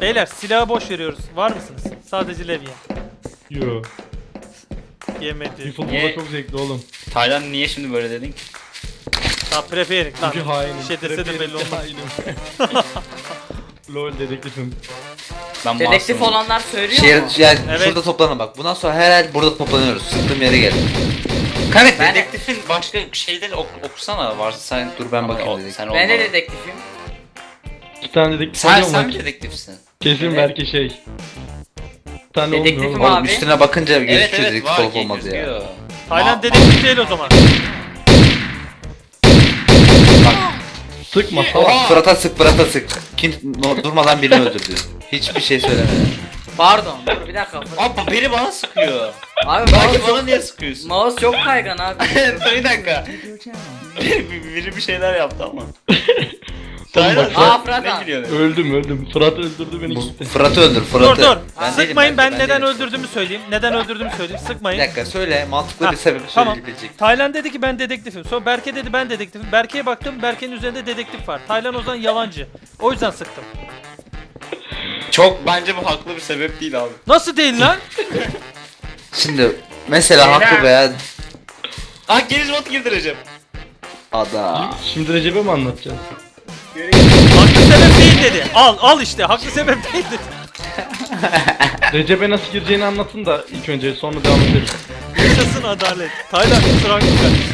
Beyler silahı boş veriyoruz. Var mısınız? Sadece levye. Yo. Yemedi. Rifle Niye? burada çok zevkli oğlum. Taylan niye şimdi böyle dedin? Ha preferik lan. Çünkü hainim. Bir şey dese de belli olmaz. Hainim. LOL dedektifim. Ben Dedektif masumum. olanlar söylüyor Şehir, mu? yani Evet. şurada toplanın bak. Bundan sonra her el burada toplanıyoruz. Sıktığım yere gel. Kanka Ben- Dedektifin başka şeyleri okusana varsa sen. Dur ben bakayım Ama dedektif. Sen Ben de olma. dedektifim. 2 tane dedektif Sen oluyor mu? mi dedektifsin? Kesin Evet. belki şey. 2 tane Dedektifim olmuyor oğlum. abi. Oğlum üstüne bakınca Evet gözüküyor evet dedektif var olup ki olmaz ya. gözüküyor. Tayland dedektif değil o zaman. Sıkma Oğlum salak. Fırat'a sık Fırat'a sık. Durmadan birini öldürdü. Hiçbir şey söylemedi. Pardon dur bir dakika. Abi biri bana sıkıyor. Abi Belki mouse, bana niye sıkıyorsun? mouse çok kaygan abi. Bir dakika. Biri bir şeyler yaptı ama. Oğlum Taylan bak, Aa, Fırat ne abi. gülüyorsun? öldüm. Fırat öldürdü beni gitti. Fırat'ı öldür Dur Fırat'ı. dur. Ben Sıkmayın, değilim, ben ben neden değilim. öldürdüğümü söyleyeyim. Neden öldürdüğümü söyleyeyim. Bir Sıkmayın. dakika söyle mantıklı Ha, bir sebep tamam. söyleyebilecek. Taylan dedi ki ben dedektifim. Sonra Berke dedi ben dedektifim. Berke'ye baktım. Berke'nin üzerinde dedektif var. Taylan o zaman yalancı. O yüzden sıktım. Çok bence bu haklı bir sebep değil abi. Nasıl değil lan? Şimdi mesela haklı veya Ah geniş bot girdireceğim. ada. Şimdi Recep'e mi anlatacağız? Haklı sebep değil dedi. Al işte. Haklı sebep değil dedi. Recep'e nasıl gireceğini anlatın da ilk önce sonra devam ederiz. Yaşasın adalet. Taylan kusura bakma kardeşim.